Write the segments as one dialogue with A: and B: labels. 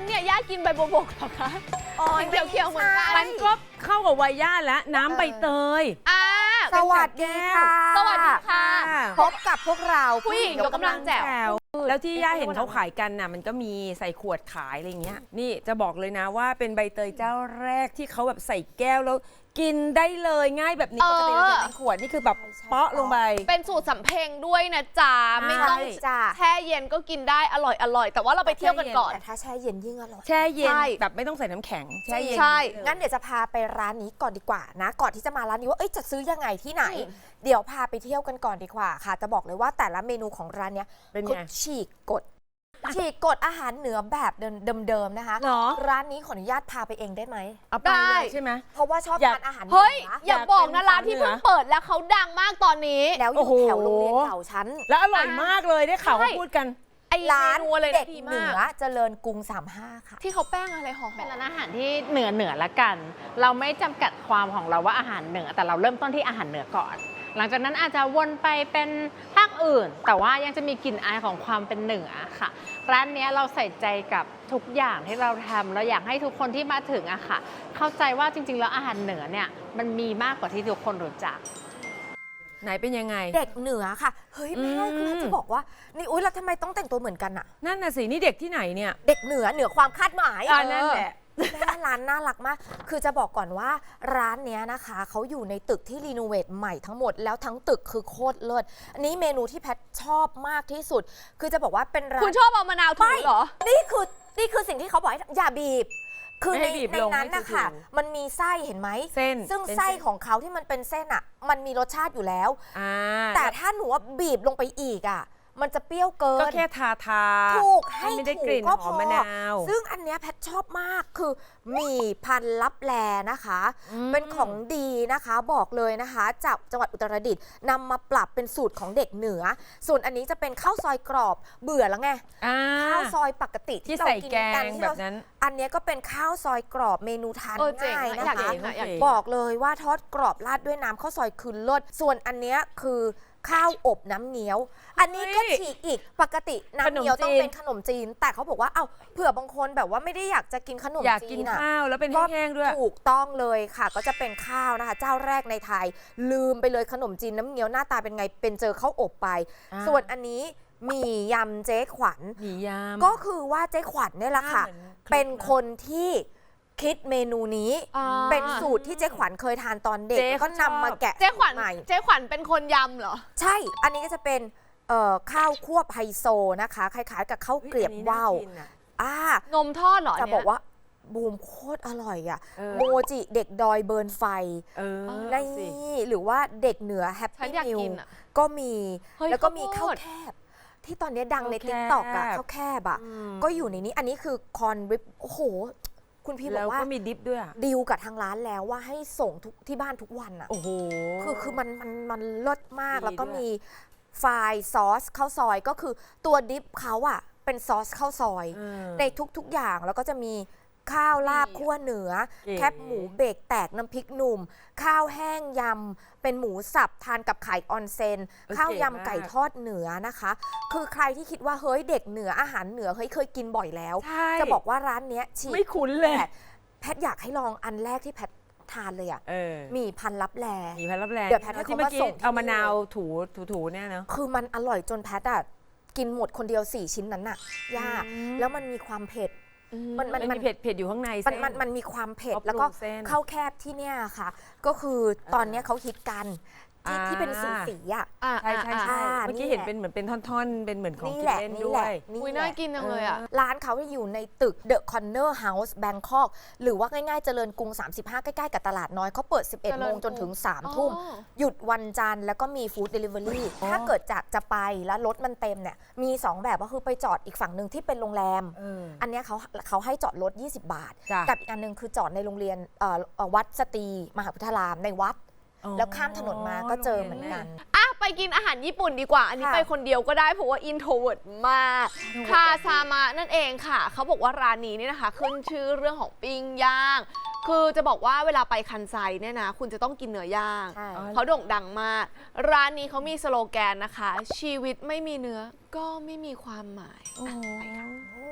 A: เนี่ยย่ากินใบบัวบกเหรอคะกินเขียวๆเหมือนกัน
B: มันก็เข้ากับวัยย่าแล้วน้ำใบเตย
C: สวัสดีค่ะ
A: สวัสดีค่ะ
C: พบกับพวกเรา
A: ผู้หญิงยกกำลังแจ๋ว
B: แล้วที่ย่าเห็นเขาขายกันน่ะมันก็มีใส่ขวดขายอะไรเงี้ยนี่จะบอกเลยนะว่าเป็นใบเตยเจ้าแรกที่เขาแบบใส่แก้วแล้วกินได้เลยง่ายแบบนี้ปกติเราจะเป็นขวดนี่คือแบบเปาะลงไป
A: เป็นสูตรสำเพ็งด้วยนะจ๊ะไม่ต้อง
C: จ้า
A: แช่เย็นก็กินได้อร่อยแต่ว่าเราไปเที่ยวกันก่อน
C: แต่ถ้าแช่เย็นยิ่งอร่อย
B: แช่เย็น
A: ใช่
B: แบบไม่ต้องใส่น้ำแข็งแช่เย็น
A: ใช่
C: งั้นเดี๋ยวจะพาไปร้านนี้ก่อนดีกว่านะ ก่อนที่จะมาร้านนี้ว่าจะซื้อยังไงที่ไหน เดี๋ยวพาไปเที่ยวกันก่อนดีกว่าค่ะ จะบอกเลยว่าแต่ละเมนูของร้านเนี้ย
B: เป็น
C: เขา
B: ไง
C: ฉีกกฎอาหารเหนือแบบเดิมๆนะคะ
B: เหรอ
C: ร้านนี้ขออนุญาตพาไปเองได้ไหม
B: เอาไปเลยใช่ไหม
C: เพราะว่าชอบ
B: อยาก
C: ทานอาหารเหนื
A: เฮ้ย
C: อ
A: อย่าบอกนะ
B: อยากเป็น
A: ร้านที่เพิ่งเปิดแล้วเขาดังมากตอนนี้
C: แล้วอ
B: โอ้
C: ยู่
B: โห
C: แถวโรงเรียนเก่าชั้น
B: แล้วอร่อยมากเลยได้ข่าวเขาพูดกัน
A: ไอ้
C: ร้าน
A: เมนูอะไร
C: เด็ก
A: ดี
C: เหนื
A: มา
C: อก เจริญกรุง 35 ค่ะ
A: ที่เขาแป้งอะไรห่อ
D: เป็นร้านอาหารที่เหนือละกัน เราไม่จำกัดความของเราว่าอาหารเหนือ แต่เราเริ่มต้นที่อาหารเหนือก่อน หลังจากนั้นอาจจะวนไปเป็นภาคอื่น แต่ว่ายังจะมีกลิ่นอายของความเป็นเหนือค่ะ ร้านนี้เราใส่ใจกับทุกอย่างที่เราทำเราอยากให้ทุกคนที่มาถึงอะค่ะ เข้าใจว่าจริงๆแล้วอาหารเหนือเนี่ยมันมีมากกว่าที่ทุกคนรู้จัก
B: ไหนเป็นยังไง
C: เด็กเหนือค่ะ เฮ้ยแม่
B: อืม
C: คือจะบอกว่า นี่อุ๊ยแล้วทำไมต้องแต่งตัวเหมือนกันอะ
B: นั่นน่ะสินี่เด็กที่ไหนเนี่ย
C: เด็กเหนือความคาดหมาย
B: นั่นแหละ
C: แม่ร้านน่ารักมาก คือจะบอกก่อนว่าร้านเนี้ยนะคะเขาอยู่ในตึกที่รีโนเวทใหม่ทั้งหมดแล้วทั้งตึกคือโคตรเลิศอันนี้เมนูที่แพทชอบมากที่สุด คือจะบอกว่าเป็นร้าน
A: คุณชอบเอามะนาวถูเหรอ
C: นี่คือสิ่งที่เขาบอกให้อย่าบีบ คือ
B: ไม่
C: ใน
B: ให้บีบ
C: ใน
B: ลง
C: นั้น
B: ให้
C: นะคะ
B: ถูๆ
C: มันมีไส้เห็นไหม
B: เส้น
C: ซึ่ง
B: เป็น
C: ไส้
B: เส้น
C: ของเขาที่มันเป็นเส้นอ่ะ มันมีรสชาติอยู่แล้ว
B: อ่า
C: แต่ถ้าหนูว่าบีบลงไปอีกอ่ะ มันจะเปรี้ยวเกิน
B: ก็แค่ทา
C: ถูกให้
B: ไม่ได้
C: ถู
B: กลิ่น
C: ก็
B: ห
C: พ
B: อ
C: อ
B: มมะนาว
C: ซึ่งอันเนี้ยแพทชอบมากคือหมี่พันลับแลนะคะ เป็นของดีนะคะบอกเลยนะคะจากจังหวัดอุตรดิตถ์นำมาปรับเป็นสูตรของเด็กเหนือ ส่วนอันนี้จะเป็นข้าวซอยกรอบเบื่อแล้วไง
B: อ่า
C: ข้าวซอยปกติ
B: ที่
C: เรา
B: ใส่
C: กิน
B: แก
C: กัน
B: ง
C: ที่
B: แบ
C: เรา
B: บนั้น
C: อันเนี้ยก็เป็นข้าวซอยกรอบเมนูทาน
A: เจ๋ง
C: ง่าย
A: อะ
C: นะ
A: อยาก
C: คะ
A: กินอะอยากกิน
C: บอกเลยว่าทอดกรอบราดด้วยน้ำข้าวซอยคือเลิศส่วนอันเนี้ยคือข้าวอบน้ำเงี้ยว อันนี้ก็ฉีกอีกปกติน้ำเงี้ยวต้องเป็นขนมจีน แต่เขาบอกว่าเอ้าเผื่อบางคนแบบว่าไม่ได้อยากจะกินขนม
B: อยาก
C: จี
B: กิน
C: นอะ
B: ข้าวแล้วเป็นแห้งๆด้วย
C: ถูกต้องเลยค่ะ ก็จะเป็นข้าวนะคะ เจ้าแรกในไทย ลืมไปเลยขนมจีนน้ำเงี้ยวหน้าตาเป็นไงเป็นเจอข้าวอบไป
B: อ่า
C: ส่วนอันนี้หมี่ยำเจ๊ขวัญ
B: หมี่ยำ
C: ก็คือว่าเจ๊ขวัญเนี่ยแหละค่ะ
B: หน้าเหมือนคลิปนะ
C: เป็นคนที่คิดเมนูนี้
A: อ่า
C: เป็นสูตรที่เจ๊ขวัญเคยทานตอนเด็ก
B: เจ๊
C: แล้วก็
B: เขาชอบ
C: นำมาแกะ
A: เจ๊ขวัญ
C: ใหม่
A: เจ๊ขวัญเป็นคนยำเหรอ
C: ใช่ อันนี้ก็จะเป็นข้าวควบไฮโซนะคะ คล้ายๆ กับข้าวเกลียบว่าวอ่า
A: นมทอดเหรอ
C: จะ
A: เนี่ย
C: บอกว่าบูมโคตรอร่อยอ่ะ
B: เออ
C: โมจิเด็กดอยเบิร์นไฟ
B: เออ
C: ใน
B: สิ
C: หรือว่าเด็กเหนือแฮป
A: ฉัน
C: ปี้
A: อยาก
C: นิว
A: กินอะ
C: ก็มี
A: เฮ้ย
C: แล้วก็มี
A: ข้า
C: ข้าว ว
A: โพด
C: แคบ ที่ตอนนี้ดังใน
B: ข้าวแคบ
C: ติ๊กต็อกอะข้าวแคบอะ
B: อืม
C: ก็อยู่ในนี้อันนี้คือคอนริปโอ้โห คุณพี่บ
B: แล้
C: อ
B: ว
C: กว่า
B: ก็มีดิฟด้วยอะ
C: ดีลกับทางร้านแล้วว่าให้ส่งทุกที่บ้านทุกวันอะ
B: โอ้โห
C: คือมันเลิศมาก
B: ดี
C: แล้วก็
B: ด้วย
C: มีไฟล์ซอสข้าวซอยก็คือตัวดิฟเขาอะเป็นซอสข้าวซอย
B: เออ
C: ในทุกๆอย่างแล้วก็จะมีข้าวลาบ
B: ดีอะ
C: คั่วเหนือ
B: เก๋
C: แคบหมูเบรกแตกน้ำพริกหนุ่ม ข้าวแห้งยำ เป็นหมูสับทานกับไข่ออนเซน ข้าวยำไก่ทอดเหนือนะคะ คือใครที่คิดว่าเฮ้ยเด็กเหนืออาหารเหนือเฮ้ยเคยกินบ่อยแล้ว
B: ใช่
C: จะบอกว่าร้านเนี้ยฉีก
B: ไม่คุ้นเลย
C: แต่แพทอยากให้ลองอันแรกที่แพททานเลยอะ
B: เออ
C: หมี่พันลับแล
B: มีพันรับแรง
C: เดี๋ยวแพทให้
B: ที่
C: เขา
B: เมื่
C: มา
B: อกี้
C: ส่งที่
B: เอามะนาว
C: นี่เลย
B: ถูเนี่ยเนาะ
C: คือมันอร่อยจนแพทอะกินหมดคนเดียว4 ชิ้นนั้นน่ะยาก
B: อืม
C: แล้วมันมีความเผ็ด มัน
B: มันมีเผ็ดอยู่ข้างใน
C: มันมีความเผ็ด
B: เขาปรุง
C: แล้วก็
B: เส้น
C: ข้าวแคบที่เนี่ยค่ะ ก็คือตอนเนี้ยเขาฮิตกันที่เป็นสีอ่ะ
B: ใช่ใช่
C: อ่า
B: ใช่เมื่อกี้เห็น
C: นี่แหละ
B: เป็นเหมือนเป็นท่อนๆ เป็นเหมือนของ
C: นี่
B: กิ
C: แห
B: น
C: ละ
B: เล่น
C: นี่
B: ด้
C: แห
B: ว
C: ละ
B: ย
A: อุ้ย
C: แห
A: น่า
C: ละ
A: กินจังเลยอ่ะ
C: ร้านเขาอยู่ในตึก The Corner House Bangkok หรือว่าง่ายๆเจริญกรุง 35 ใกล้ๆกับตลาดน้อยเขาเปิด 11 โมงจนถึง 3 ทุ่ม
A: อ๋อ
C: หยุดวันจันทร์แล้วก็มีฟู้ดเดลิเวอรี่ถ้าเกิดจากจะไปแล้วรถมันเต็มเนี่ยมี 2 แบบก็คือไปจอดอีกฝั่งหนึ่งที่เป็นโรงแรม อันเนี้ยเขาให้จอดรถ 20 บาท
B: จ้ะ
C: กับอีกอันหนึงคือจอดในโรงเรียนวัดสตรีมหาพุทธารามในวัด แล้วข้ามถนนมาก็เจอเหมือนกัน
A: อ่ะไปกินอาหารญี่ปุ่นดีกว่า อันนี้
C: ค่ะ
A: ไปคนเดียวก็ได้เพราะว่าอินโทรเวิร์ดมากคาซามะนั่นเองค่ะ เขาบอกว่าร้านนี้เนี่ยนะคะ ขึ้นชื่อเรื่องของปิ้งย่าง คือจะบอกว่าเวลาไปคันไซเนี่ยนะ คุณจะต้องกินเนื้อย่าง
C: ใช่
A: เขาโด่งดังมาก ร้านนี้เขามีสโลแกนนะคะ ชีวิตไม่มีเนื้อก็ไม่มีความหมาย
B: โอ้โห
C: โอ้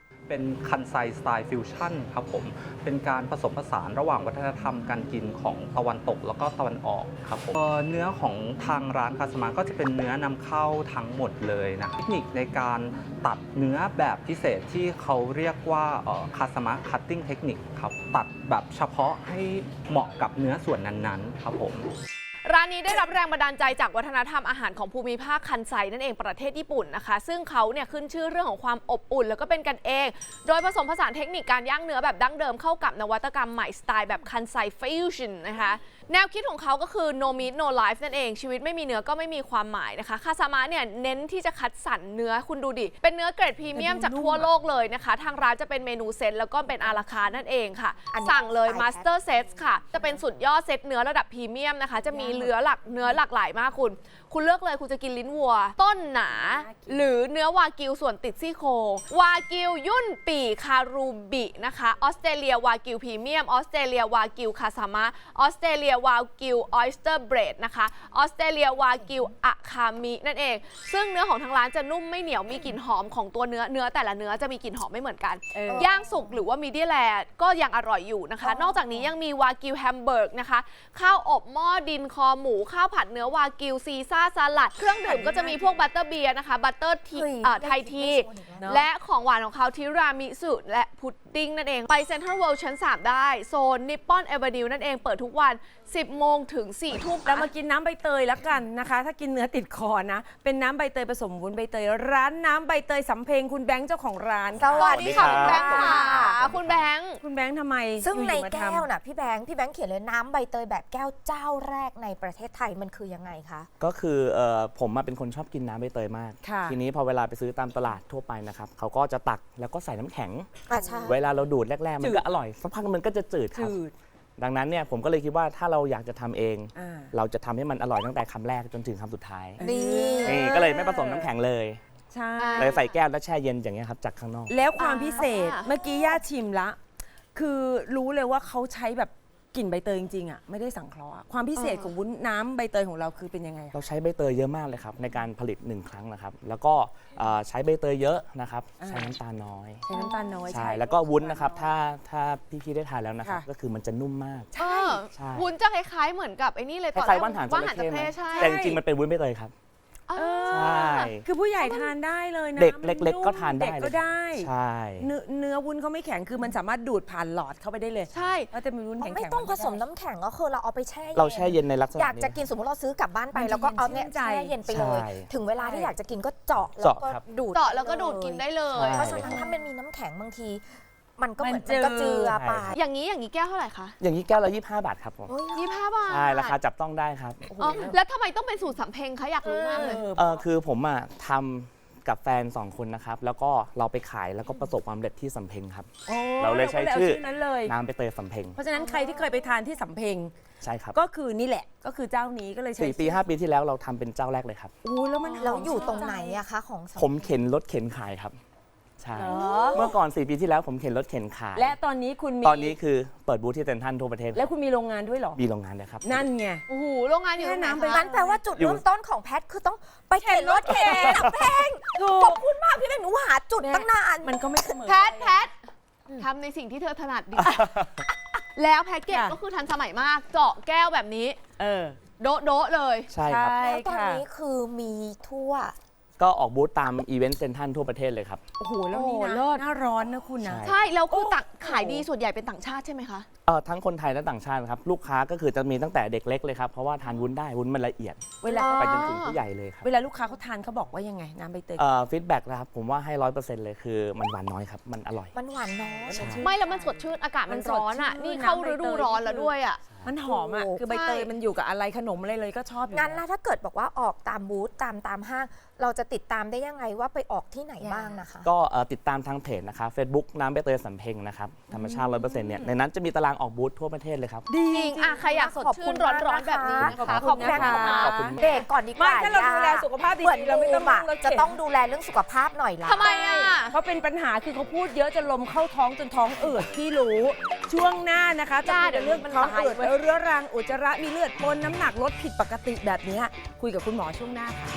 E: เป็นคันไซสไตล์ฟิวชั่นครับผมเป็นการผสมผสานระหว่างวัฒนธรรมการกินของตะวันตกแล้วก็ตะวันออกครับผมเนื้อของทางร้านคาสมาก็จะเป็นเนื้อนำเข้าทั้งหมดเลยนะเทคนิคในการตัดเนื้อแบบพิเศษที่เขาเรียกว่าคาสมาคัตติ้งเทคนิคครับตัดแบบเฉพาะให้เหมาะกับเนื้อส่วนนั้นๆครับผม
A: ร้านนี้ได้รับแรงบันดาลใจจากวัฒนธรรมอาหารของภูมิภาคคันไซนั่นเองประเทศญี่ปุ่นนะคะซึ่งเขาเนี่ยขึ้นชื่อเรื่องของความอบอุ่นแล้วก็เป็นกันเองโดยผสมผสานเทคนิคการย่างเนื้อแบบดั้งเดิมเข้ากับนวัตกรรมใหม่สไตล์แบบคันไซฟิวชั่นนะคะแนวคิดของเขาก็คือ no meat no life นั่นเองชีวิตไม่มีเนื้อก็ไม่มีความหมายนะคะคาซามะเนี่ยเน้นที่จะคัดสรรเนื้อคุณดูดิเป็นเนื้อเกรดพรีเมียมจากทั่วโลกเลยนะคะทางร้านจะเป็นเมนูเซตแล้วก็เป็นอาราคาร์ทนั่นเองค่ะสั่งเลย Master Set ค่ะจะเป็นสุดยอดเซตเนื้อระดับพรีเมียมนะคะจะมีเนื้อหลากหลายมากคุณเลือกเลยคุณจะกินลิ้นวัวต้นหนาหรือเนื้อวากิวส่วนติดซี่โครงวากิวยุ่นปีคารูบินะคะออสเตรเลียวากิวพรีเมียมออสเตรเลียวากิวคาซามะออสเตรเลียวากิวออยสเตอร์เบรดนะคะออสเตรเลียวากิวอะคามินั่นเองซึ่งเนื้อของทางร้านจะนุ่มไม่เหนียวมีกลิ่นหอมของตัวเนื้อแต่ละเนื้อจะมีกลิ่นหอมไม่เหมือนกันย่างสุกหรือว่ามีเดียแลก็ยังอร่อยอยู่นะคะนอกจากนี้ยังมีวากิวแฮมเบิร์กนะคะข้าวอบหม้อดินคอหมูข้าวผัดเนื้อวากิวซีซ่าสลัดเครื่องดื่มก็จะมีพวกบัตเตอร์เบียร์นะคะบัตเตอร์ทีไทยทีและของหวานของเขาทิรามิสุและพุดดิ้งนั่นเองไปเซ็นทรัลเวิลด์ชั้น 3 ได้โซนนิปปอนเอเวนิวนั่นเองเปิดทุกวัน 10 โมงถึง 4 ทุ่ม
B: เรามากินน้ำใบเตยแล้วกันนะคะ ถ้ากินเนื้อติดคอนะเป็นน้ำใบเตยผสมวุ้นใบเตยร้านน้ำใบเตยสำเพ็งคุณแบงค์เจ้าของร้าน
C: สวัสดีค่ะ
A: คุณแบงค์ค่ะคุณแบงค์
B: คุณแบงค์ทำไม
C: ซึ่งใน
B: อยู่ๆมา
C: แก้
B: ทำ
C: วน่ะพี่แบงค์เขียนเลยน้ำใบเตยแบบแก้วเจ้าแรกในประเทศไทยมันคือยังไงคะ
F: ก็คือผมเป็นคนชอบกินน้ำใบเตยมาก
B: ค่ะ
F: ทีนี้พอเวลาไปซื้อตามตลาดทั่วไปนะครับเขาก็จะตักแล้วก็ใส่น้ำแข็ง
C: ใช่
F: เวลาเราดูดแรกๆ มันก็อร่อยสักพักมันก็จะจืดครับ
B: จืด
F: ดังนั้นเนี่ยผมก็เลยคิดว่าถ้าเราอยากจะทำเอง
B: อ่า
F: เราจะทำให้มันอร่อยตั้งแต่คำแรกจนถึงคำสุดท้าย
C: นี่
F: นี่ก็เลยไม่ผสมน้ำแข็งเลย
B: ใช่
F: เลยใส่แก้วแล้วแช่เย็นอย่างเงี้ยครับจากข้างนอก
B: แล้วความพิเศษเมื่อกี้ย่าชิมละ คือรู้เลยว่าเขาใช้แบบกลิ่นใบเตยจริงๆอ่ะไม่ได้สังเคราะห์อะความพิเศษของวุ้นน้ำใบเตยของเราคือเป็นยังไงอะ
F: เราใช้ใบเตยเยอะมากเลยครับในการผลิต1 ครั้งนะครับแล้วก็ใช้ใบเตยเยอะนะครับใช้น้ำตาลน้อย
B: ใช้น้ำตาลน้อย
F: ใช่แล้วก็วุ้นนะครับถ้าพี่ๆได้ทานแล้วนะครับ
B: ค่ะ
F: ก็คือมันจะนุ่มมาก
A: เออ
F: ใช่
A: วุ้นจะคล้ายๆเหมือนกับไอ้นี่เลย
F: คล้ายๆว่านหางจ
A: ว่าน
F: ระ
A: หางจ
F: เข้
A: ระ
F: ไหม
A: เข้ใช่
F: แต่จริงๆมันเป็นวุ้นใบเตยครับ
A: อ่า
F: ใช่
B: คือผู้ใหญ่ทานได้เลยนะ
F: เด็ก
B: มัน
F: เล็กๆก็ทานได้
B: เด็กก็ได้
F: ใช่
B: เนื้อวุ้นเขาไม่แข็งคือมันสามารถดูดผ่านหลอดเข้าไปได้เลย
A: ใช่
B: ก็จะมีวุ้นแข็งๆ
C: ไม่ต้องผสมน้ำแข็งก็คือเราเอาไปแช่ย็น
F: เราแช่เย็นในลักษณะ
C: อยากจะกินสมมติเราซื้อกลับบ้านไปแล้วก็เอาเนี่ยแช่เย็นไปเลย
F: ใช่
C: ถึงเวลาที่อยากจะกินก็เจาะแล้ว
F: เจาะ
C: ก็
F: ครับ
C: ดูด
A: เจาะแล้วก็ดูดกินได้เลย
F: ใช่
C: เพราะฉะนั้นถ้ามันมีน้ำแข็งบางที มันก็เหมือน
B: มันจืด
C: มันก็เจือไป
A: อย่างนี้แก้วเท่าไหร่คะ
F: อย่างนี้แก้วละ25 บาทครับผม
C: โอ้ย
A: 25 บาท
F: ใช่ราคาจับต้องได้ครับ
A: อ๋อแล้วทำไมต้องเป็นสูตรสำเพ็งคะอยากรู้มากเลย
F: คือผมอ่ะทำกับแฟน 2 คนนะครับแล้วก็เราไปขายแล้วก็ประสบความสำเร็จที่สำเพ็งครับ
B: โอ้
F: เราเลยใช้ชื่อ
B: นั้นเลย
F: น้ำใบเตยสำเพ็ง
B: เพราะฉะนั้นใครที่เคยไปทานที่สำเพ็ง
F: ใช่ครับ
B: ก็คือนี่แหละก็คือเจ้านี้ก็เลยใช้
F: 4 ปี 5 ปีที่แล้วเราทำเป็นเจ้าแรกเลยครับ
B: โอ้แล้วมัน
C: เราอยู่ตรงไหนอะคะของสำ
F: ผมเข็นรถเข็นขายครับใช่
B: เหรอ
F: เมื่อก่อน 4 ปีที่แล้วผมเข็นรถเข็นขาย
B: และตอนนี้คุณมี
F: ตอนนี้คือเปิดบูธที่เซ็นทรัลทั่วประเทศ
B: แล้วคุณมีโรงงานด้วยเหรอ
F: มีโรงงานเลยครับ
B: นั่นไง
A: โอ้โหโรงงานอยู่ตรงไหน
B: แค่น้ำไป
A: คะ
C: งั้นแปลว่าจุด
F: อยู่
C: เริ่มต้นของแพทคือต้องไปเข็นรถเข็นแพง
B: ถู
C: ข
B: ก
C: อบคุณมากพี่แบงค์หนูหาจุดตั้งนาน
B: มันก็ไม่เสมอ
A: แพททำในสิ่งที่เธอถนัดดี แล้วแพ็กเกจ
B: ค่ะ
A: ก็คือทันสมัยมากเจาะแก้วแบบนี้
B: เออ
A: โดะเลย
F: ใช่ครับ
C: แล้วตอนนี้คือมีทั่ว
F: ก็ออกบูธตามอีเวนต์เซ็นทรัลทั่วประเทศเลยครับ
B: โอ้โหแล้วนี่
A: โอ้
B: นะ
A: เลิศ
B: หน้าร้อนนะคุณนะ
F: ใช่
A: ใช่แล้วคือขายดีส่วนใหญ่เป็นต่างชาติใช่ไหมคะ
F: ทั้งคนไทยและต่างชาติครับลูกค้าก็คือจะมีตั้งแต่เด็กเล็กเลยครับเพราะว่าทานวุ้นได้วุ้นมันละเอียด
B: เวลา
F: ไปจนถึงผู้ใหญ่เลยครับ
B: เวลาลูกค้าเขาทานเขาบอกว่ายังไงน้ำใบเตย
F: ฟีดแบ็กนะครับผมว่าให้ 100%เลยคือมันหวานน้อยครับมันอร่อย
C: มันหวานน้อย
F: ใช่
A: ไม่แล้วมันสดชื่นอากาศมันร้อนอ่ะ
B: มันสดชื่น
A: นี่เข้าฤดูร้อนแล้วด้วยอ่ะ
B: มันหอมอ่ะ
C: โอ้
B: คือใบเตยมันอยู่กับอะไรขนมอะไรเลยก็ชอบอยู่
C: งั้น
B: แล้
C: แล้ว วถ้าเกิดบอกว่าออกตามบูธตามห้าง เราจะติดตามได้ยังไงว่าไปออกที่ไหนบ้างนะคะ
F: ก็ติดตามทางเพจนะครับ Facebook น้ำใบเตยสำเพ็งนะครับธรรมชาติ 100%เนี่ยในนั้นจะมีตารางออกบูธทั่วประเทศเลยครับ
B: ดี
A: จริงอ่ะใครอยากสดชื่นร้อนๆแบบนี้นะคะ
B: ขอบคุณนะคะ
F: ขอบคุณ
C: เบรกก่อนดีก
B: ไม่
C: ว่า
B: ถ้าเราดูแลสุขภาพ
C: เหมือน
B: ดีๆเราไม่ต้อง
C: บูม
B: นั่งรถเข็น
C: จะต้องดูแลเรื่องสุขภาพหน่อยละ
A: ทำไมอ่ะ
B: เขาเป็นปัญหาคือเขาพูดเยอะจนลมเข้าท้องจนท้องอืดพี่รู้ ช่วงหน้านะคะจะคุยกันเรื่องท้องอืดเรื้อรังอุจจาระมีเลือดปนน้ำหนักลดผิดปกติแบบนี้คุยกับคุณหมอช่วงหน้าค่ะ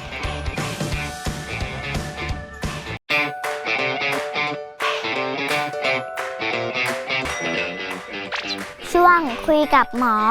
G: คุยกับหมอ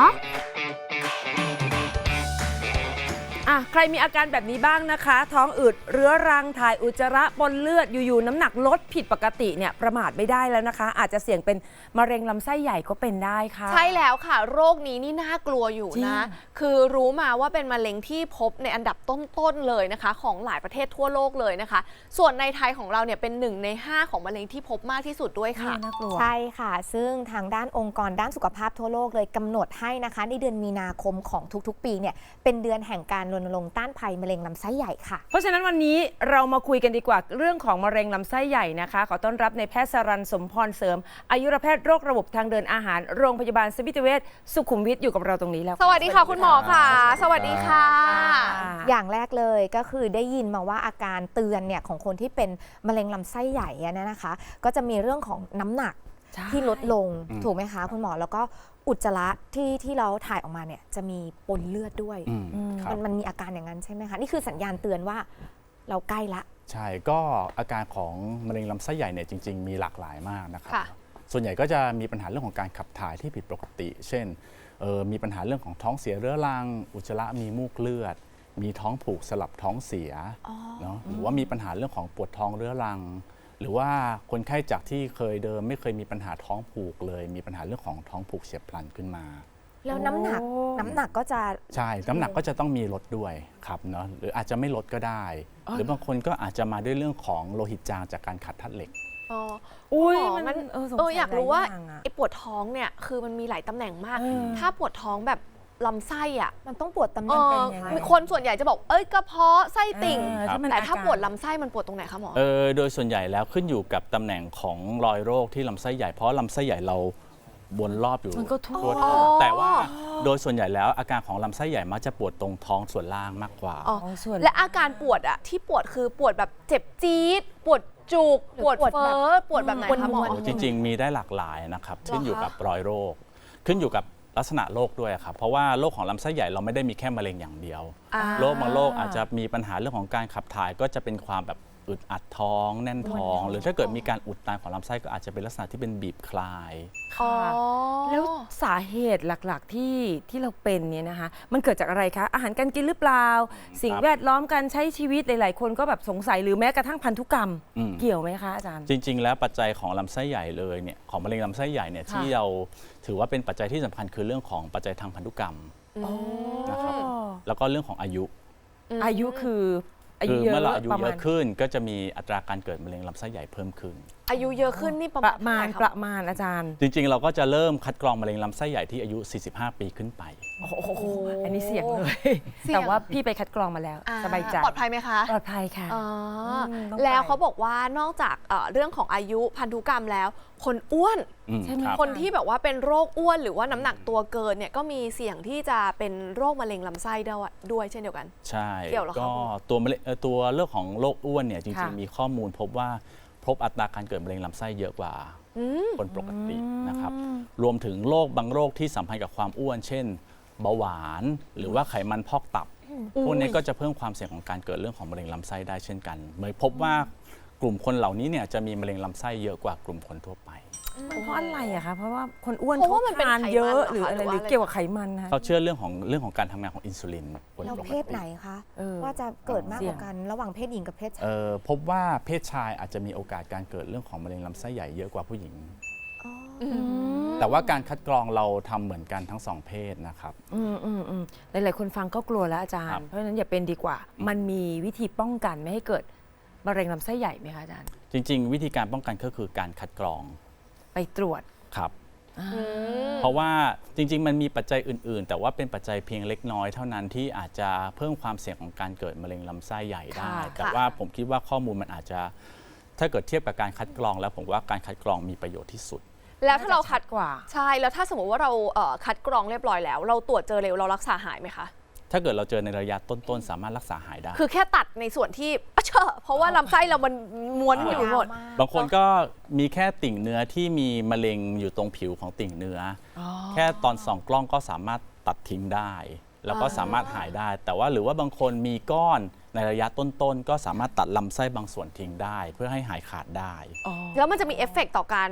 B: ใครมีอาการแบบนี้บ้างนะคะ ท้องอืดเรื้อรังถ่ายอุจจาระปนเลือดอยู่ๆน้ำหนักลดผิดปกติเนี่ยประมาทไม่ได้แล้วนะคะ อาจจะเสี่ยงเป็นมะเร็งลำไส้ใหญ่ก็เป็นได้ค่ะ
A: ใช่แล้วค่ะ โรคนี้นี่น่ากลัวอยู่
B: จริง
A: นะ คือรู้มาว่าเป็นมะเร็งที่พบในอันดับต้นๆเลยนะคะ ของหลายประเทศทั่วโลกเลยนะคะ ส่วนในไทยของเราเนี่ยเป็น1 ใน 5ของมะเร็งที่พบมากที่สุดด้วยค่ะ
B: น่ากลัว
C: ใช่ค่ะ ซึ่งทางด้านองค์กรด้านสุขภาพทั่วโลกเลยกำหนดให้นะคะในเดือนมีนาคมของทุกๆ ปีเนี่ยเป็นเดือนแห่งการรณรงค์ต้านภัยมะเร็งลำไส้ใหญ่ค่ะ
B: เพราะฉะนั้นวันนี้เรามาคุยกันดีกว่าเรื่องของมะเร็งลำไส้ใหญ่นะคะ ขอต้อนรับในแพทย์สรัญสมพรเสริมอายุรแพทย์โรคระบบทางเดินอาหารโรงพยาบาลสมิติเวชสุขุมวิทอยู่กับเราตรงนี้แล้ว
A: สวัสดีค่ะคุณหมอค่ะ สวัสดีค่ะ
C: อย่างแรกเลยก็คือได้ยินมาว่าอาการเตือนเนี่ยของคนที่เป็นมะเร็งลำไส้ใหญ่อะนะคะ ก็จะมีเรื่องของน้ำหนัก
B: ใช่
C: ที่ลดลงถูกไหมคะคุณหมอแล้วก็อุจจาระที่เราถ่ายออกมาเนี่ยจะมีปนเลือดด้วย
H: ครับ
C: มันมีอาการอย่างนั้นใช่ไหมคะนี่คือสัญญาณเตือนว่าเราใกล้ละ
H: ใช่ก็อาการของมะเร็งลำไส้ใหญ่เนี่ยจริง ๆ มีหลากหลายมากนะครับ
A: ค่ะ
H: ส่วนใหญ่ก็จะมีปัญหาเรื่องของการขับถ่ายที่ผิดปกติ เช่นมีปัญหาเรื่องของท้องเสียเรื้อรัง อุจจาระมีมูกเลือด มีท้องผูกสลับท้องเสียเนาะหรือว่ามีปัญหาเรื่องของปวดท้องเรื้อรัง หรือว่าคนไข้จากที่เคยเดิมไม่เคยมีปัญหาท้องผูกเลย มีปัญหาเรื่องของท้องผูกเฉียบพลันขึ้นมา
C: แล้วน้ำหนักก็จะ
H: ใช่น้ำหนักก็จะต้องมีลดด้วยครับเนาะหรืออาจจะไม่ลดก็ได้ หรือบางคนก็อาจจะมาด้วยเรื่องของโลหิตจางจากการขาดธาตุเหล็ก
A: อ๋อ
B: อุ้ย
A: หมอ
B: มันสงสัย
A: อยากรู้ว่า
B: หลายอย่างอะ
A: ไอ้ปวดท้องเนี่ยคือมันมีหลายตำแหน่งมาก ถ้าปวดท้องแบบลำไส้อ่ะ
C: มันต้องปวดตำแห
A: เอ
C: น่ง
A: อ
C: เป็นยังไง
A: มีคนส่วนใหญ่จะบอกเอ้ยกระเพาะไส้ติ่ง
B: มัน
A: แต่ถ้า
B: อร
A: ปวดลำไส้มันปวดตรงไหนคะหมอ
H: โดยส่วนใหญ่แล้วขึ้นอยู่กับตำแหน่งของรอยโรคที่ลำไส้ใหญ่เพราะลำไส้ใหญ่เราวนรอบอยู่
B: มันก็ทั่ว
H: ท้องแต่ว่าโดยส่วนใหญ่แล้วอาการของลำไส้ใหญ่มักจะปวดตรงท้องส่วนล่างมากกว่า
A: อ๋อ
B: ส่วน
A: และอาการปวดอะที่ปวดคือปวดแบบเจ็บจี๊ดปวดจุกปวดเฟ้อปวดแบบไหนคะหมอ
H: จริง ๆ มีได้หลากหลายนะครับขึ้นอยู่กับรอยโรค ขึ้นอยู่กับลักษณะโรคด้วยครับเพราะว่าโรคของลำไส้ใหญ่เราไม่ได้มีแค่มะเร็งอย่างเดียว โรคบางโรคอาจจะมีปัญหาเรื่องของการขับถ่ายก็จะเป็นความแบบอึดอัดท้องแน่นท้อง หรือถ้าเกิดมีการอุดตันของลำไส้ก็อาจจะเป็นลักษณะที่เป็นบีบคลาย
A: อ๋อ
B: แล้วสาเหตุหลักๆที่เราเป็นเนี่ยนะคะ มันเกิดจากอะไรคะ อาหารการกินหรือเปล่า สิ่งแวดล้อมการใช้ชีวิตหลายๆ คนก็แบบสงสัยหรือแม้กระทั่งพันธุกรรม
H: อืม
B: เกี่ยวไหมคะอาจารย์
H: จริง ๆ แล้วปัจจัยของลำไส้ใหญ่เลยเนี่ยของมะเร็งลำไส้ใหญ่เนี่ย
B: ค่ะ
H: ที่เราถือว่าเป็นปัจจัยที่สำคัญคือเรื่องของปัจจัยทางพันธุกรรมนะครับแล้วก็เรื่องของอายุ
B: อายุคืออายุ
H: คือ
B: เยอะ
H: เมื่อเราอายุ
B: ประ
H: เย
B: มาณ
H: อะขึ้นก็จะมีอัตราการเกิดมะเร็งลำไส้ใหญ่เพิ่มขึ้น
A: อายุเยอะขึ้นนี่ประ
B: ป
A: มาณ
B: ระมาณ
A: เท่าไห
B: ป
A: ร่
B: ระมาณอาจารย์
H: จริง ๆ เราก็จะเริ่มคัดกรองมะเร็งลำไส้ใหญ่ที่อายุ 45 ปีขึ้นไป
B: โอ้โหอันนี้เสี่ยงเลย
A: เสี่ยง
B: แต่ว่าพี่ไปคัดกรองมาแล้ว
A: อ่
B: สบายใจ
A: ปลอดภัยไหมคะ
B: ปลอดภัยค่ะ
A: อ๋อ
B: ต้อง
A: แล้ว
B: ไป
A: เขาบอกว่านอกจากเรื่องของอายุพันธุกรรมแล้ว คนอ้วน
B: ใช่ไหม
H: ครับ
A: คนที่แบบว่าเป็นโรคอ้วนหรือว่าน้ำหนักตัวเกินเนี่ยก็มีเสี่ยงที่จะเป็นโรคมะเร็งลำไส้ด้วยเช่นเดียวกัน
H: ใช่
A: เกี่ยวเหรอคะ
H: ก็ตัวมะเร็งตัวเรื่องของโรคอ้วนเนี่ยจริ
B: ค่ะ
H: ง ๆ มีข้อมูลพบว่าพบอัตราการเกิดมะเร็งลำไส้เยอะกว่าคนปกตินะครับรวมถึงโรคบางโรคที่สัมพันธ์กับความอ้วน เช่น เบาหวาน หรือว่าไขมันพอกตับ พวกนี้ก็จะเพิ่มความเสี่ยงของการเกิดเรื่องของมะเร็งลำไส้ได้เช่นกันเมื่อพบว่ากลุ่มคนเหล่านี้เนี่ยจะมีมะเร็งลำไส้เยอะกว่ากลุ่มคนทั่วไป
B: เพราะอะไรอะคะ เพราะว่าคนอ้วน
A: เพราะว่ามันเป็น
B: ทาน
A: ไขมัน
B: เยอะ
A: เหรอคะ
B: หรืออะไร
A: หรือ
B: ห
A: ว่า
B: รือเกี่ยวกับไขมันนะคะ
H: เขาเชื่อเรื่องของการทำงานของอินซูลินคน
C: แล้ว
H: ปก
C: เพศ
H: ติ
C: ไหนคะ
B: เออ
C: ว่าจะเกิดมาก
B: เสี่
C: ก
B: ยง
C: ว่ากันระหว่างเพศหญิงกับเพศชาย
H: พบว่าเพศชายอาจจะมีโอกาสการเกิดเรื่องของมะเร็งลำไส้ใหญ่เยอะกว่าผู้หญิง แต่ว่าการคัดกรองเราทำเหมือนกันทั้งสองเพศนะครับ
B: หลายๆคนฟังก็กลัวแล้วอาจาร
H: ครั
B: ย์
H: บ
B: เพราะฉะนั้นอย่าเป็นดีกว่า มันมีวิธีป้องกันไม่ให้เกิดมะเร็งลำไส้ใหญ่ไหมคะอาจารย์
H: จริง ๆ วิธีการป้องกันก็คือการคัดกรอง
B: ไปตรวจ
H: ครับ เพราะว่าจริง ๆ มันมีปัจจัยอื่น ๆ แต่ว่าเป็นปัจจัยเพียงเล็กน้อยเท่านั้นที่อาจจะเพิ่มความเสี่ยงของการเกิดมะเร็งลำไส้ใหญ่ได้
B: ค่ะ
H: แต่ว่าผมคิดว่าข้อมูลมันอาจจะถ้าเกิดเทียบกับการคัดกรองแล้วผมว่าการคัดกรองมีประโยชน์ที่สุด
A: แล้วถ้าเราคัด
B: กว่า
A: ใช่แล้วถ้าสมมติว่าเราคัดกรองเรียบร้อยแล้ว เราตรวจเจอเร็วเรารักษาหายไหมคะ
H: ถ้าเกิดเราเจอในระยะต้น ๆ สามารถรักษาหายได้
A: คือแค่ตัดในส่วนที่เพราะว่าลำไส้เรามันม้วนอยู่หมด
H: บางคนก็มีแค่ติ่งเนื้อที่มีมะเร็งอยู่ตรงผิวของติ่งเนื้ออแค่ตอนส่องกล้องก็สามารถตัดทิ้งได้ แล้วก็สามารถหายได้ แต่ว่าหรือว่าบางคนมีก้อนในระยะต้นๆก็สามารถตัดลำไส้บางส่วนทิ้งได้ เพื่อให้หายขาดได้
A: แล้วมันจะมีเอฟเฟกต์ต่อการ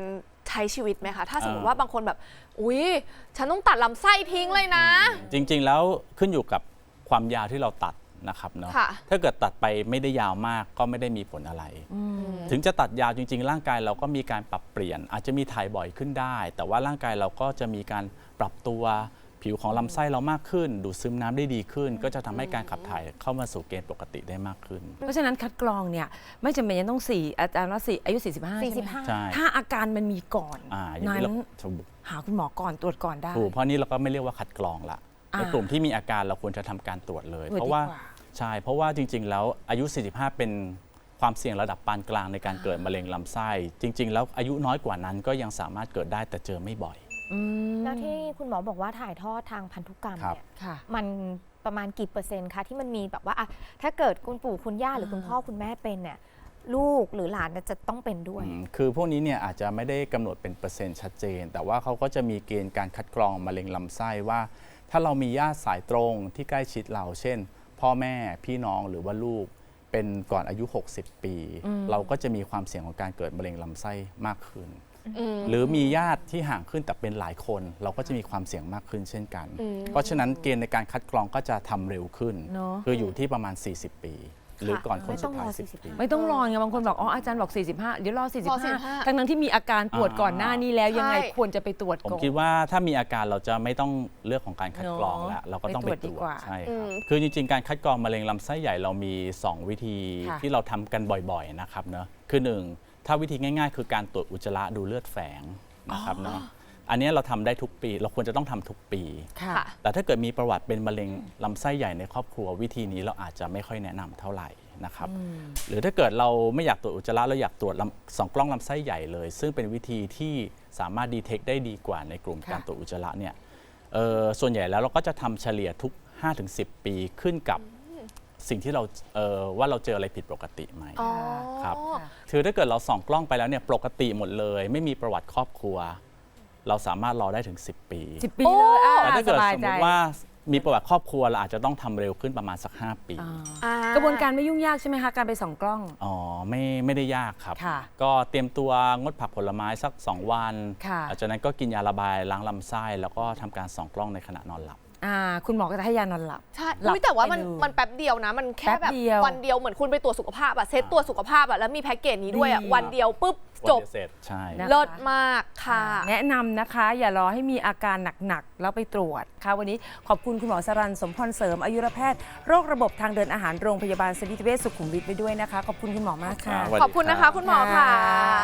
A: ใช้ชีวิตไหมคะถ้าสมมติว่าบางคนแบบอุ๊ยฉันต้องตัดลำไส้ทิ้งเลยนะ
H: จริงๆแล้วขึ้นอยู่กับความยาวที่เราตัดนะครับเนาะ
A: ค่ะ
H: ถ้าเกิดตัดไปไม่ได้ยาวมากก็ไม่ได้มีผลอะไร ถึงจะตัดยาวจริงๆ ร่างกายเราก็มีการปรับเปลี่ยน อาจจะมีถ่ายบ่อยขึ้นได้ แต่ว่าร่างกายเราก็จะมีการปรับตัวผิวของลำไส้เรามากขึ้น ดูดซึมน้ำได้ดีขึ้น ก็จะทำให้การขับถ่ายเข้ามาสู่เกณฑ์ปกติได้มากขึ้น
B: เพราะฉะนั้นคัดกรองเนี่ยไม่จำเป็นจะต้อง4อาจารย์ว่า4อายุ 45 ใช่ไหม
H: ใช่
B: ถ้าอาการมันมีก่อน
H: อย่าง
B: นั้
H: นี้
B: น
H: เราถูก
B: หาคุณหมอก่อนตรวจก่อนได้
H: เพราะนี่เราก็ไม่เรียกว่าคัดกรองละ ในกลุ่มที่มีอาการเราควรจะทำการตรวจเลย
B: ตรวจ
H: เพราะว่า
B: ดีกว่า
H: ใช่เพราะว่าจริง ๆ แล้วอายุ 45 เป็นความเสี่ยงระดับปานกลางในการเกิดมะเร็งลำไส้ จริง ๆ แล้วอายุน้อยกว่านั้นก็ยังสามารถเกิดได้แต่เจอไม่บ่อย
C: แล้วที่คุณหมอบอกว่าถ่ายทอดทางพันธุกรรม
H: ครับ
C: เนี่ย
B: ค่ะ
C: มันประมาณกี่เปอร์เซ็นต์คะที่มันมีแบบว่าอะถ้าเกิดคุณปู่คุณย่าหรือคุณพ่อคุณแม่เป็นเนี่ยลูกหรือหลานจะต้องเป็นด้วย
H: คือพวกนี้เนี่ยอาจจะไม่ได้กำหนดเป็นเปอร์เซ็นต์ชัดเจน แต่ว่าเขาก็จะมีเกณฑ์การคัดกรองมะเร็งลำไส้ว่า ถ้าเรามีญาติสายตรงที่ใกล้ชิดเรา เช่น พ่อแม่พี่น้องหรือว่าลูกเป็นก่อนอายุ 60 ปี เราก็จะมีความเสี่ยงของการเกิดมะเร็งลำไส้มากขึ้น หรือมีญาติที่ห่างขึ้นแต่เป็นหลายคน เราก็จะมีความเสี่ยงมากขึ้นเช่นกัน เพราะฉะนั้นเกณฑ์ในการคัดกรองก็จะทำเร็วขึ้น
B: เนอะ
H: คืออยู่ที่ประมาณ 40 ปี หรือก่อนคนสุดท้าย
C: ไม่ต้องรอ
H: 10 ปี
B: ไม่ต้องรอไงบางคนบอกอ๋ออาจารย์บอก 45 เดี๋ยวรอ 45
A: 45
B: ทั้งนั้นที่มีอาการปวดก่อนหน้านี้แล้วยังไง
A: ใช่
B: ควรจะไปตรวจ
H: ผม
B: ก่อน
H: คิดว่าถ้ามีอาการเราจะไม่ต้องเลือกของการคัดกรองแล้ว เราก็ต้องไป
B: ไปตรวจ
H: ต
B: ดี
H: รว
B: ก
H: จ
B: ว่า
H: ใช่ครับคือจริงๆ การคัดกรองมะเร็งลำไส้ใหญ่เรามี 2 วิธี
B: ค่ะ
H: ที่เราทำกันบ่อยๆนะครับเนาะคือ 1 ถ้าวิธีง่ายๆ คือการตรวจอุจจาระดูเลือดแฝงนะครับเนาะอันนี้เราทำได้ทุกปี เราควรจะต้องทำทุกปี
B: ค่ะ
A: ค่ะ
H: แต่ถ้าเกิดมีประวัติเป็นมะเร็งลำไส้ใหญ่ในครอบครัววิธีนี้เราอาจจะไม่ค่อยแนะนำเท่าไหร่นะครับหรือถ้าเกิดเราไม่อยากตรวจอุจจาระเราอยากตรวจส่องกล้องลำไส้ใหญ่เลย ซึ่งเป็นวิธีที่สามารถดีเทคได้ดีกว่าในกลุ่ม
B: ค่ะ
H: การตรวจอุจจาระเนี่ยส่วนใหญ่แล้วเราก็จะทำเฉลี่ยทุก 5-10 ปีขึ้นกับสิ่งที่เราว่าเราเจออะไรผิดปกติไหม
A: อ๋อ
H: ครับคือถ้าเกิดเราส่องกล้องไปแล้วเนี่ยปกติหมดเลย ไม่มีประวัติครอบครัว เราสามารถรอได้ถึง 10 ปี
B: 10 ปีเลย
H: แต่ถ้าเกิด
B: สบาย
H: สม
B: ใจ
H: มติว่ามีประวัติครอบครัวเราอาจจะต้องทำเร็วขึ้นประมาณสัก 5 ปี
B: กระบวนการไม่ยุ่งยากใช่ไหมคะการไปส่องกล้อง
H: อ๋อไม่ได้ยากครับ
B: ค่ะ
H: ก็เตรียมตัวงดผักผลไม้สัก 2 วัน
B: ค่ะ
H: หลังจากนั้นก็กินยาระบายล้างลำไส้แล้วก็ทำการส่องกล้องในขณะนอนหลับ
B: คุณหมอก็จะให้ยานอนหลับ
A: ใช่
B: หลับ
A: อุ๊ยแต่ว่ามัน
B: ไปเลย
A: มันแป๊บเดียวนะ มันแค่
B: แป๊
A: แบบ
B: บเดียว
A: วันเดียวเหมือนคุณไปตรวจสุขภาพอะเซตตัวจสุขภาพอะแล้วมีแพ็กเกจนี้ด้วยอะ
B: ดี
A: วันเดียวปุ๊บ
H: วัน
A: จบ
H: เดียวเสร็จใช่
B: นะ
A: เลิศมากค่ะ
B: แนะนำนะคะ อย่ารอให้มีอาการหนักๆแล้วไปตรวจค่ะวันนี้ขอบคุณคุณหมอสรัญสมพรเสริมอายุรแพทย์โรคระบบทางเดินอาหารโรงพยาบาลสมิติเวชสุขุมวิทไปด้วยนะคะ ขอบคุณคุณหมอมากค่ะ
H: สวัสดี
A: ขอบคุณนะคะ คุณหมอค่ะ
B: ค่ะ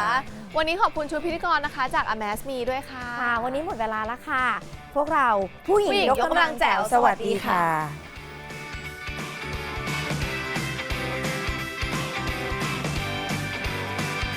A: วันนี้ขอบคุณชุดพิธีกรนะคะ จาก Amaze Me ด้วยค่ะ
C: ค่ะ วันนี้หมดเวลาแล้วค่ะ พวกเราผู้หญิง
A: ผู้หญิง
C: ยกกำลังแจ๋ว สวัสดีค่ะ
B: ค่ะ